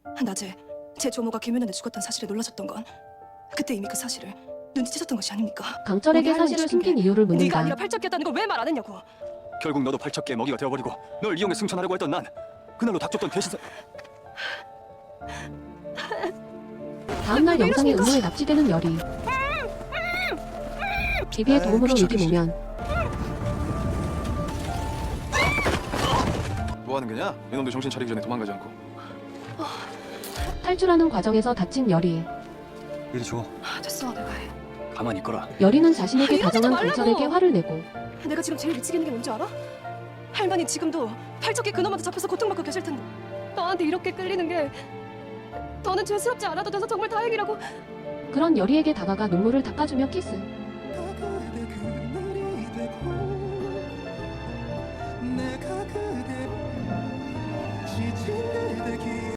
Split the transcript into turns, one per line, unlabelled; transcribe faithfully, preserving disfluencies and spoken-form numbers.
낮에 제 조모가 김윤현에 죽었던 사실에 놀라셨던 건 그때 이미 그 사실을 눈치채셨던 것이 아닙니까?
강철에게
우리
사실을
할머니
숨긴
죽은 게
이유를
네가
묻는다.
아니라 팔척기였다는 걸 왜 말 안 했냐고.
결국 너도 팔척기의 먹이가 되어버리고 널 이용해 승천하려고 했던 난 그날로 닥쳤던 대신사.
다음날
왜
영상에
이러십니까?
음모에 납치되는 열이. 비비의
에이,
도움으로
귀찮아,
유기 모면.
뭐 하는 거냐? 이놈도 정신 차리기 전에 도망가지 않고.
탈출하는 과정에서 다친 열이.
이리 줘.
아, 됐어, 내가 해.
가만히 있거라.
열이는 자신에게
아, 이러지
다정한
말라고!
강철에게 화를 내고.
내가 지금 제일 미치겠는 게 뭔지 알아? 할머니 지금도 팔척기 그놈한테 잡혀서 고통받고 계실 텐데 너한테 이렇게 끌리는 게 너는 죄스럽지 않아도 돼서 정말 다행이라고.
그런 열이에게 다가가 눈물을 닦아주며 키스.